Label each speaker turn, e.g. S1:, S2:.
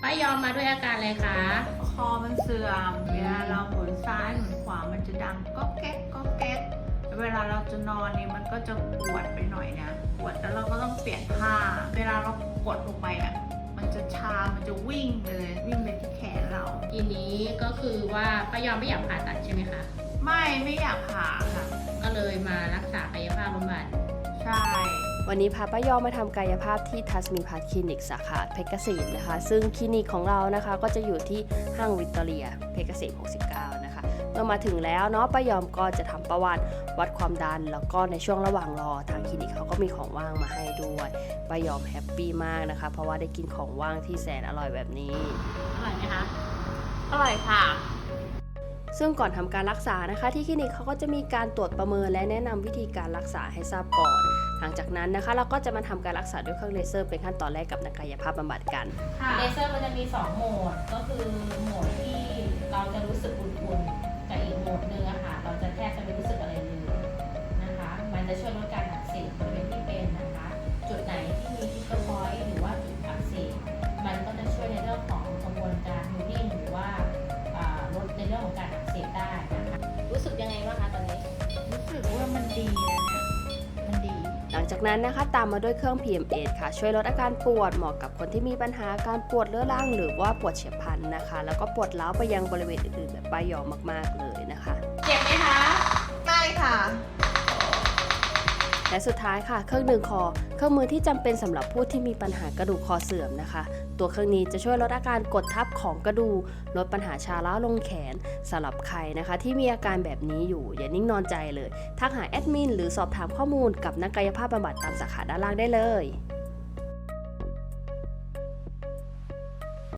S1: ป้ายอมมาด้วยอาการอะไรคะ
S2: คอมันเสื่อมเวลาเราหมุนซ้ายหมุนขวามันจะดังก๊อกแก๊กก๊อกแก๊กเวลาเราจะนอนนี่มันก็จะปวดไปหน่อยนะปวดแล้วเราก็ต้องเปลี่ยนท่าเวลาเรากดลงไปอ่ะมันจะชา มันจะวิ่งไปเลยวิ่งไปที่แขนเรา
S1: ทีนี้ก็คือว่าป้ายอมไม่อยากผ่าตัดใช่ไหมคะ
S2: ไม่อยากผ่าค่ะ
S1: ก็เลยมารักษากายภาพบำบัด
S2: ใช่
S3: วันนี้พาป้ายอมมาทำกายภาพที่ทัสมีพัทคลินิกสาขาเพชรเกษมนะคะซึ่งคลินิกของเรานะคะก็จะอยู่ที่ห้างวิกตอเรียเพชรเกษม 69 นะคะเมื่อมาถึงแล้วเนาะป้ายอมก็จะทำประวัติวัดความดันแล้วก็ในช่วงระหว่างรอทางคลินิกเขาก็มีของว่างมาให้ด้วยป้ายอมแฮปปี้มากนะคะเพราะว่าได้กินของว่างที่แสนอร่อยแบบนี้
S1: อร่อยไหมคะ
S2: อร่อยค่ะ
S3: ซึ่งก่อนทำการรักษานะคะที่คลินิกเขาก็จะมีการตรวจประเมินและแนะนำวิธีการรักษาให้ทราบก่อน หลังจากนั้นนะคะเราก็จะมาทำการรักษาด้วยเครื่องเลเซอร์เป็นขั้นตอนแรกกับนักกายภาพบำบัดกัน
S1: เลเซอร์มันจะมี 2 โหมด ก็คือโหมดที่เราจะรู้สึกอุ่นๆกับอีกโหมดหนึงอะค่ะเราจะแทบจะไม่รู้สึกอะไรเลยนะคะ มันจะช่วยลดการอักเสบบริเวณที่เป็นนะคะ จุดไหนที่มีทิกเกอร์พอยต์หรือว่าจุดอักเสบมันก็จะช่วยในเรื่องของกระบวนการฮีลิ่งหรือว่าลดในเรื่องของการอักเสบได้นะคะ รู้สึกยังไงบ้างคะตอนนี้
S2: รู้สึกว่ามันดีนะเนี่ยมันดี
S3: หลังจากนั้นนะคะตามมาด้วยเครื่อง PMS ค่ะช่วยลดอาการปวดเหมาะกับคนที่มีปัญหาการปวดเรื้อรังหรือว่าปวดเฉียบพลันนะคะแล้วก็ปวดร้าวไปยังบริเวณอื่นๆแบบป้ายอมมากๆเลยนะคะ
S1: เจ็บไหมคะ
S2: ได้ค่ะ
S3: และสุดท้ายค่ะเครื่องดึงคอเครื่องมือที่จำเป็นสำหรับผู้ที่มีปัญหากระดูกคอเสื่อมนะคะตัวเครื่องนี้จะช่วยลดอาการกดทับของกระดูกลดปัญหาชาล้าลงแขนสำหรับใครนะคะที่มีอาการแบบนี้อยู่อย่านิ่งนอนใจเลยทักหาแอดมินหรือสอบถามข้อมูลกับนักกายภาพบำบัดตามสาขาด้านล่างได้เลย